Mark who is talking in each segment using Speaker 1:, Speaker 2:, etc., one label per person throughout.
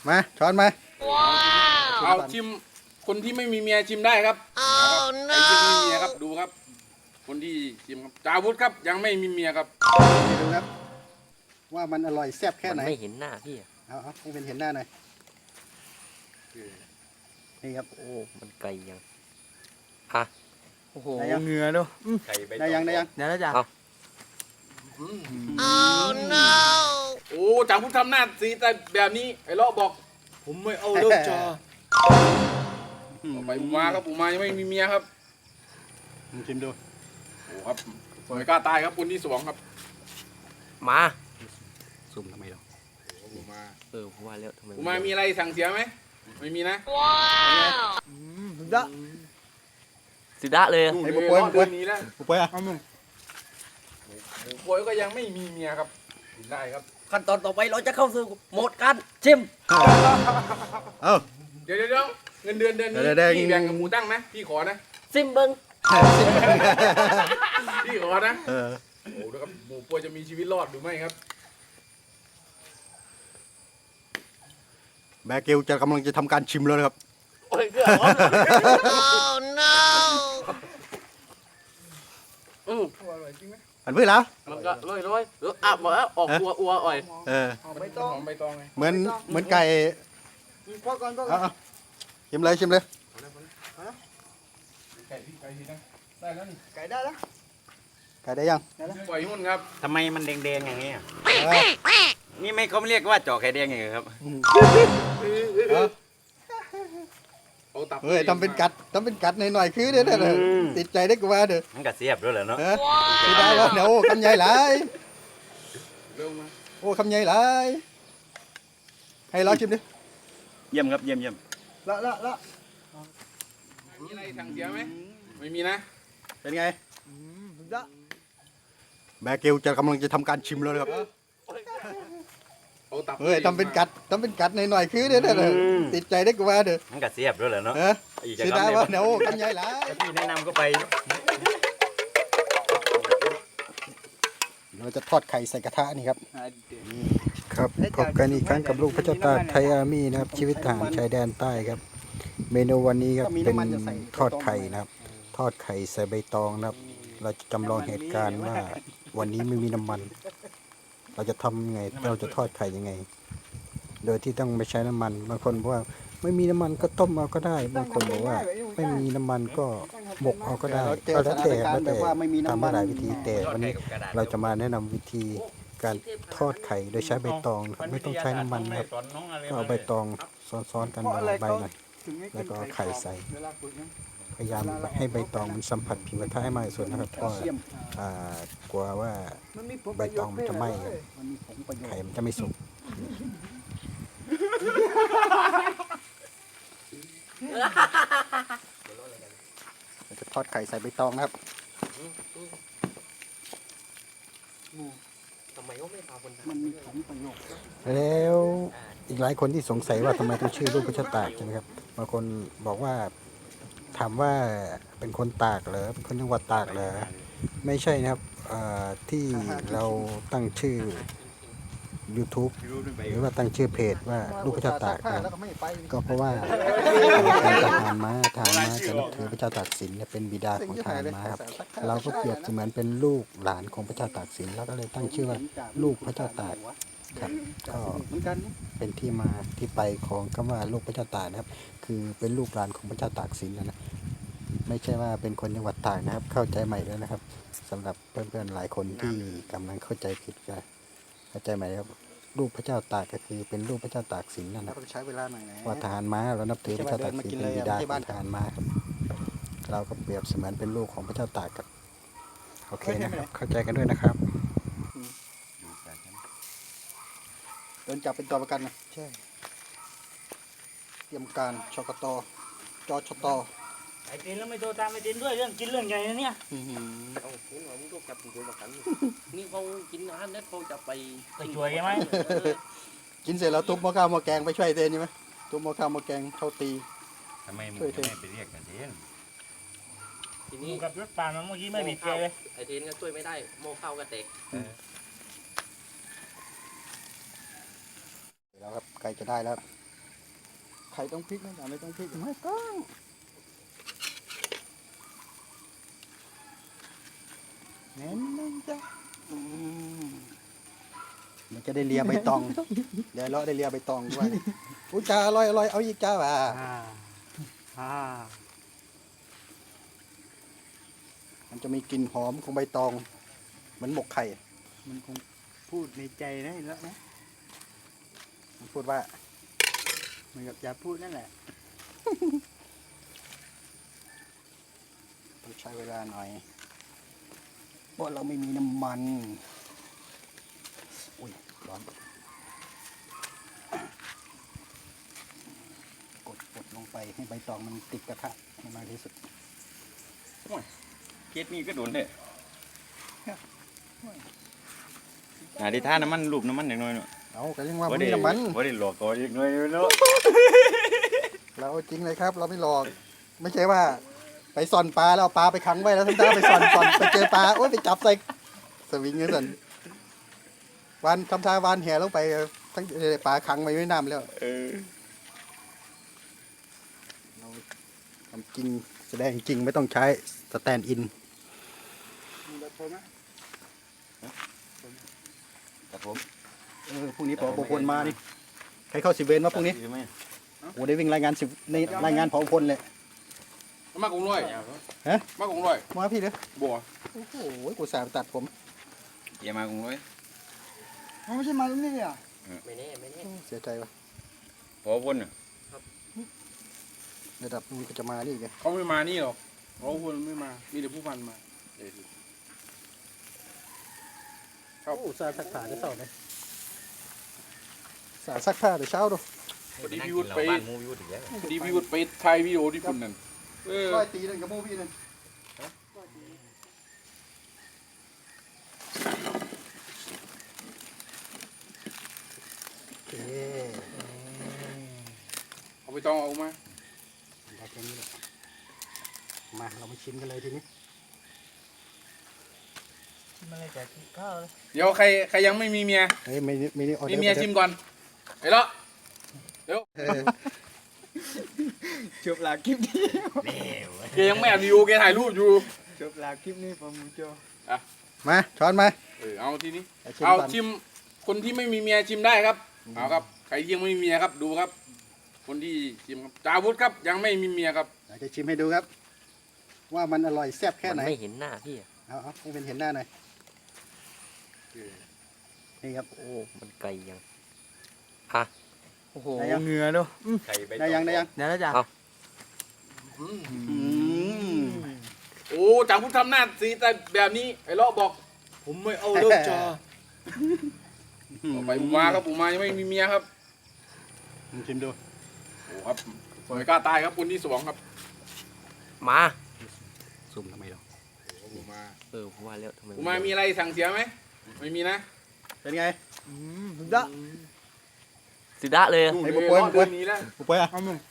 Speaker 1: มาช้อนมา
Speaker 2: เอาชิมคนที่ไม่มีเมียชิมได้ครับใครที่ไม่มีเมียครับดูครับ คนที่ชิมครับจาวุธครับยังไม่มีเมียครับ
Speaker 1: ดูครับว่ามันอร่อยแซ่บแค่ไหน
Speaker 3: ไม่เห็นหน้าพี่
Speaker 1: เอาให้เป็นเห็นหน้าหน่อยนี่ครับ
Speaker 3: โอ้มันไกลยังอ่ะ
Speaker 4: โอ้โหเหงื่อดู
Speaker 1: ได้ยัง
Speaker 4: เดี๋ยวนะจ๊ะ
Speaker 2: โอ้จาวุธทำหน้าสีแต่แบบนี้ไอ้เลาะบอกผมไม่เอาเลิกจอต่อไปปูมาครับปูมายังไม่มีเมียครับ
Speaker 1: ชิมดู
Speaker 2: โอ้ครับไม่กล้าตายครับคนที่สองครับ
Speaker 3: มา
Speaker 1: ซุ่มทำไมหรอ
Speaker 2: ปูมา
Speaker 3: ผมว่าแล้วทำไม
Speaker 2: ปูมามีอะไรสั่งเสียไหมไม่มีนะ
Speaker 4: ว้าวสุดยอด
Speaker 3: สุดยอดเลย
Speaker 1: ไอ้ปุ๊บปุ๊บปุ๊บ
Speaker 2: นี้แล้ว
Speaker 1: ปุ๊บปุ๊บ
Speaker 2: โอ้ยก็ยังไม่มีเมียครับกินได้ครับ
Speaker 3: ขั้นตอนต่อไปเราจะเข้าสู่โหมดการชิม
Speaker 2: เดี๋ยวเงินเดือนนี้พี่แบ่งกับหมูตั้งนะพี่ขอนะ
Speaker 3: ซิมเบิ้ง
Speaker 2: พี่ขอนะโอ้แล้วครับหมูป่วยจะมีชีวิตรอดหรือไม่ครับ
Speaker 1: แบเกลจะกำลังจะทำการชิมแล้วนะครับ
Speaker 2: โอ้ยเกือบอร่อยจริงไหม
Speaker 1: อันเพื่อแล้ว
Speaker 3: มันก็ร้อยอับหมดแล้วออกอัวอ่อย
Speaker 2: ใบตองไง
Speaker 1: เหมือนไก่
Speaker 4: พ่อก่อน
Speaker 1: ชิมเลย
Speaker 2: ไก่ทีนะได้แล้วนี่
Speaker 4: ไก่ได้แล้ว
Speaker 1: ไก่ได้ยัง
Speaker 2: ปล่อยหุ้นครับ
Speaker 5: ทำไมมันแดงๆอย่างนี้นี่ไม่เขาไม่เรียกว่าเจาะไข่แดงอย่างนี้ครับ
Speaker 1: เฮ้ยทำเป็นกัดหน่อยคือเด้อติดใจได้กว่าเด้อ
Speaker 5: มันกัดเสียบด้วยเหรอเนาะ
Speaker 1: ไม่ได้แล้วเดี๋ยวคำใหญ่หลาย
Speaker 2: เร็วมา
Speaker 1: โอ้คำใหญ่หลายให้เราชิมดิ
Speaker 5: เยี่ยมครับเยี่ยม
Speaker 4: ละ
Speaker 2: มีอะไรสั่งเสียไหมไม่มีนะ
Speaker 1: เป็นไง
Speaker 4: สุดยอด
Speaker 1: แบเกลจะกำลังจะทำการชิมแล้วครับเฮ้ยทำเป็นกัดหน่อยคือเด้อติดใจได้กว่าเด้อ
Speaker 5: มันกัดเสียบด้วยเหรอเนาะ
Speaker 1: ไม่ได้แล้วเดี๋ยวคำใหญ่หลาย
Speaker 5: พี่แนะนำก็ไป
Speaker 1: เราจะทอดไข่ใส่กระทะนี่ครับครับพบกันอีกครั้งกับลูกพระเจ้าตากไทยอาร์มี่นะครับชีวิตทหารชายแดนใต้ครับเมนูวันนี้ครับเป็นทอดไข่นะครับทอดไข่ใส่ใบตองนะครับเราจะจำลองเหตุการณ์ว่าวันนี้ไม่มีน้ำมันเราจะทำยังไงเราจะทอดไข่ยังไงโดยที่ต้องไม่ใช้น้ำมันบางคนบอกว่าไม่มีน้ำมันก็ต้มเอาก็ได้บางคนบอกว่าไม่มีน้ำมันก็หมกเอาก็ได้ก็แล้วแต่ทำได้หลายวิธีแต่วันนี้เราจะมาแนะนำวิธีการทอดไข่โดยใช้ใบตองไม่ต้องใช้น้ำมันนะครับก็เอาใบตองซ้อนๆกันใบหน่อยแล้วก็เอาไข่ใส่พยายามให้ใบตองมันสัมผัสผิวกระทะให้มากที่สุดนะครับเพราะกลัวว่าใบตองมันจะไหม้ไข่มันจะไม่สุกจะทอดไข่ใส่ใบตองนะครับ
Speaker 3: ทำไมก็ไม่พาคน
Speaker 4: มันมีของประโยชน์
Speaker 1: แล้วอีกหลายคนที่สงสัยว่าทำไมต้องชื่อลูกพระเจ้าตากใช่ไหมครับบางคนบอกว่าถามว่าเป็นคนตากเหรอเป็นคนจังหวัดตากเหรอไม่ใช่นะครับที่เราตั้งชื่อ YouTube หรือว่าตั้งชื่อเพจว่าลูกพระเจ้าตากก็เพราะว่าเป็นทหารม้าจะนับถือพระเจ้าตากสินเป็นบิดาของทหารม้าครับเราก็เปรียบเสมือนเป็นลูกหลานของพระเจ้าตากสินแล้วก็เลยตั้งชื่อว่าลูกพระเจ้าตากครับก็เป็นที่มาที่ไปของคำว่าลูกพระเจ้าตากนะครับคือเป็นลูกหลานของพระเจ้าตากสินนะไม่ใช่ว่าเป็นคนจังหวัดตากนะครับเข้าใจใหม่ด้วยนะครับสำหรับเพื่อนๆหลายคนที่กำลังเข้าใจผิดกันเข้าใจไหมครับลูกพระเจ้าตากก็คือเป็นลูกพระเจ้าตากสินนั่นนะใช้เวลาหน่อยนะว่าทหารม้าเรานับถือพระเจ้าตากสินเป็นบิดาของทหารม้าครับเราก็เปรียบเสมือนเป็นลูกของพระเจ้าตากครับโอเคนะครับเข้าใจกันด้วยนะครับโดนจับเป็นตัวประกันนะใช่เตรียมการชกตจชต
Speaker 4: ไอ้เต้นแล้วไม่โทรตามไอ้เต้นด้วยเรื่องกินเรื่องใหญ่นะเนี่ย
Speaker 3: เอาคุณว่ามึงก็จับตัวประกันนี่เขากินอาหารแล้วเขาจะไป
Speaker 4: ช่วยใช่ไหม
Speaker 1: กินเสร็จแล้วทุบหม้อข้าวหม้อแกงไปช่วยเต้นใช่ไหมทุบหม้อข้าวหม้อแกงเข้าตี
Speaker 5: ทำไมมึงไม่ไปเรียกกันเต้น
Speaker 3: ทีนี้
Speaker 4: กับรถป่ามันเมื่อกี้ไม่บีบเลย
Speaker 3: ไอ้เต้นก็ช่วยไม่ได้โม่ข้าวก็แตก
Speaker 1: แล้วครับไก่จะได้แล้วไข่ต้องพริกนะแต่ไม่ต้องพริกไม่ต้องเน้นจ้ะมันจะได้เลียใบตอง เดี๋ยวเราได้เลียใบตองด้วยอุ้ยจ้าอร่อยเอาอีกจ้าว่ะมันจะมีกลิ่นหอมของใบตองเหมือนหมกไข่
Speaker 5: มันคงพูดในใจนะแล้วนะ
Speaker 1: มันพูดว่า
Speaker 5: เหมือนกับจะพูดนั่นแหละ
Speaker 1: ต้องใช้เวลาหน่อยเพราะเราไม่มีน้ำมันอุ้ยร้อนกดลงไปให้ใบตองมันติดกระทะให้มากที่สุด
Speaker 5: เคสนี้ก็โดนเลยหาที่ท่าน้ำมันรูปน้ำมันอย่างน้อยเนาะ
Speaker 1: เอาก็ยังว่าไม่มีน้ำมัน
Speaker 5: ว่าได้หลอกก่อนอีกหน่อยเนาะ
Speaker 1: เราเอาจริงเลยครับ เราไม่หลอก ไม่ใช่ว่า ไปซ่อนปลาแล้วเอาปลาไปขังไว้แล้วทำท่าไปซ่อนไปเจอปลาโอ๊ยไปจับใส่สวิงเงี้ยสันวันทำท่าวานแห่ลงไปทั้งปลาขังไว้ไม่น้ำแล้วเราทำจริงแสดงจริงไม่ต้องใช้สแตนด์อิน
Speaker 5: ครับผม
Speaker 1: พรุ่งนี้ผอพลมานี่ใครเข้า10 เวรมาพรุ่งนี้โอ้ได้วิ่งรายงานในรายงานผอพลเลย
Speaker 2: มากกงร้อย
Speaker 1: ฮะ
Speaker 2: มากกงร้อย
Speaker 1: มาพี่เด้อ
Speaker 2: บัว
Speaker 1: โอ้โหกูสาตัดผม
Speaker 5: อย่ามากุ้งเลย
Speaker 1: ไม่ใช่มาตรงนี้อ่ะ
Speaker 3: ไม่แน่ไม่แน่
Speaker 1: เสียใจว่ะ
Speaker 5: พอพ่น
Speaker 1: ระดับนู้นก็จะมานี่ไง
Speaker 2: เขาไม่มานี่หรอกเขาคนไม่มามีแต่ผู้พันมาเดี๋ยวดู
Speaker 1: โอ้สาสักผ้าได้เศร้าไหมสาสักผ้าเดี๋ยวเช้าดู
Speaker 2: พอดีพี่วุฒิไปพอดีพี่วุฒิไปถ่ายวิดีโอที่ปุ่นนั่น
Speaker 1: ร้อยตีนั่นกับโมพี่นั่นโอเค
Speaker 2: เอาไปต้องเอามา
Speaker 1: ได้แค่นี้แหละมาเรามาชิมกันเลยทีนี้
Speaker 4: มันเลยจะกินข้าวเลย
Speaker 2: เดี๋ยวใครยังไม่มีเมีย
Speaker 1: เฮ้ยไม่นี่ออเด
Speaker 2: มี
Speaker 1: อร์
Speaker 2: เมียชิมก่อนไอ้ละเดี๋ยว
Speaker 5: จบลาคลิปนี้
Speaker 2: แกยังไม่อัดวิดีโอแกถ่ายรูปอยู่
Speaker 5: จบลาคลิปนี้พอมูโจ
Speaker 1: มาช้อนมา
Speaker 2: เอาทีนี้
Speaker 1: ชิม
Speaker 2: เอา
Speaker 1: ก่อน
Speaker 2: ชิมคนที่ไม่มีเมียชิมได้ครับเอาครับใครยังไม่มีเมียครับดูครับ คนที่ชิมครับจาวุฒิครับยังไม่มีเมียครับ
Speaker 1: อยากจะชิมให้ดูครับ ว่ามันอร่อยแซ่บแค่ไหน
Speaker 3: มันไม่เห็นหน้าพี่อะ
Speaker 1: เอาให้เป็นเห็นหน้าหน่อยนี่ครับ
Speaker 3: โอ้มันไกลยังโอ้โห
Speaker 1: ได้ยัง
Speaker 5: เหงือด้วยได้ยัง
Speaker 1: เดี๋ยวนะจ๊ะ
Speaker 2: โอ้จาวุฒิทำหน้าสีแต่แบบนี้ไอ้เลาะบอก ผมไม่เอาเลิกจ้าต่อไปผมมาครับผมมายังไม่มีเมียครับ
Speaker 1: ชิมดู
Speaker 2: โอ้ครับสวยกล้าตายครับคนที่2ครับ
Speaker 3: มา
Speaker 1: สุ่มทำไมหรอ
Speaker 2: ผมมา
Speaker 3: ผมว่าแล้วทำไม
Speaker 2: ผมมามีอะไรสั่งเสียไหมไม่มีนะ
Speaker 1: เป็นไง
Speaker 5: สุดยอด
Speaker 3: สุดะเลยอะ
Speaker 1: ไอ้
Speaker 2: บุ
Speaker 1: บุ
Speaker 2: ป
Speaker 1: ป
Speaker 2: ผ
Speaker 1: ผล
Speaker 2: เดือนนี้แล้ว
Speaker 1: ปุ๊บไปอ่ะ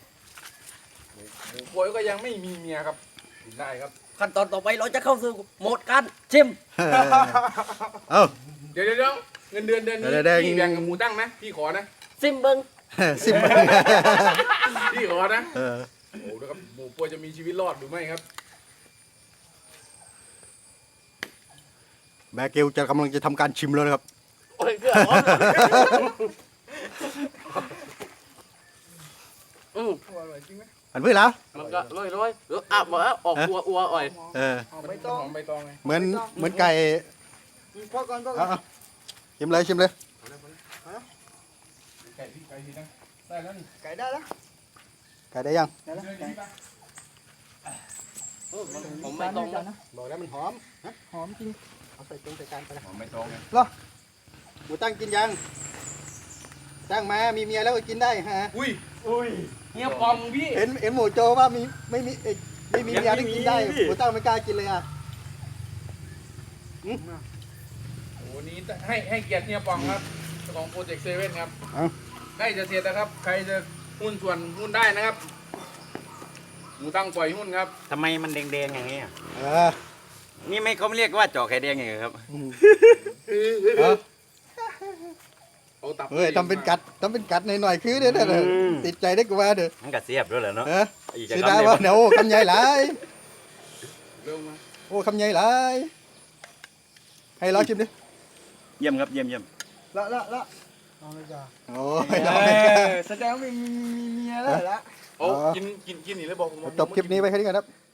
Speaker 2: บุปผลก็ยังไม่มีเมียครับกินได้ครับ
Speaker 3: ขั้นตอนต่อไปเราจะเข้าสู่โหมดการชิม
Speaker 1: เอ้า
Speaker 2: เดี๋ยวเงินเดือนนี้
Speaker 1: เดี๋ยว
Speaker 2: พี่แบ่งกับหมูตั้งนะพี่ขอนะ
Speaker 3: ซิมเบิง
Speaker 1: ซิม
Speaker 2: พี่ขอนะ
Speaker 1: เออ
Speaker 2: โอ้แล้วครับหมูป่วยจะมีชีวิตรอดหรือไม่ครับ
Speaker 1: แบร์เกลจะกำลังจะทำการชิมแล้วนะครับ
Speaker 3: โอ้ยเกลือร้อน
Speaker 1: อันเพื่อแล้ว
Speaker 3: มันก็ร้อยอาบมาออกอัวอ่อย
Speaker 1: เออ
Speaker 2: ใบตองใบตองไง
Speaker 1: เหมือนไก่เอาชิมเลย
Speaker 2: ไก่พี่นะได้แล้วนี่
Speaker 1: ไก่ได้ยัง
Speaker 3: ผมไม่ต้องนะ
Speaker 1: บอกแล้วมันหอมหอมจริงเอาใส่ใส่จานไปนะ
Speaker 2: หอมใบตองไง
Speaker 1: หมูตั้งกินยังตั้งมามีเมียแล้วก็กินได้ฮะ
Speaker 2: อุ้ยเฮียปอมพี่
Speaker 1: เห็นหมูโจว่าไม่มีเมียที่กินได้หมูตั้งไม่กล้ากินเลยอ่ะ
Speaker 2: โอ้นี้ให้เกียรติเฮียปอมครับเจ้าของโปรเจกต์เซเว่นครับ
Speaker 1: เอา
Speaker 2: ใกล้จะเสร็จแล้วครับ ใครจะหุ้นส่วนหุ้นได้นะครับหมูตั้งปล่อยหุ้นครับ
Speaker 5: ทำไมมันแดงๆอย่างนี้อ่ะ
Speaker 1: เออ
Speaker 5: นี่ไม่เขาไม่เรียกว่าเจาะไข่แดงอย่างเงี้ยครับ
Speaker 1: เอา
Speaker 2: โอ้ตับ
Speaker 1: เฮ้ยทำเป็นกัดหน่อยๆคือเด้อติดใจได้กูว่าเด้อ
Speaker 5: มันก็เสียบด้วยแหละเนาะ
Speaker 1: เออ
Speaker 5: อีกจะ
Speaker 1: สิ
Speaker 5: คำ
Speaker 1: ได้
Speaker 5: เลย
Speaker 1: ว่าเดี๋ยวคำใหญ่หลาย
Speaker 2: เร็วมา
Speaker 1: โอ้คำใหญ่หลายให้ลองชิมดิ
Speaker 5: เยี่ยมครับเยี่ยม
Speaker 6: ละเอาไม่จ้า
Speaker 1: โอ้ยลองไม่กล้า
Speaker 6: แสดงว่ามีเมียแล้วละ
Speaker 2: โอ้กินนี่เลยบอกผม
Speaker 1: จบคลิปนี้ไปแค่นี้ก่อนครับ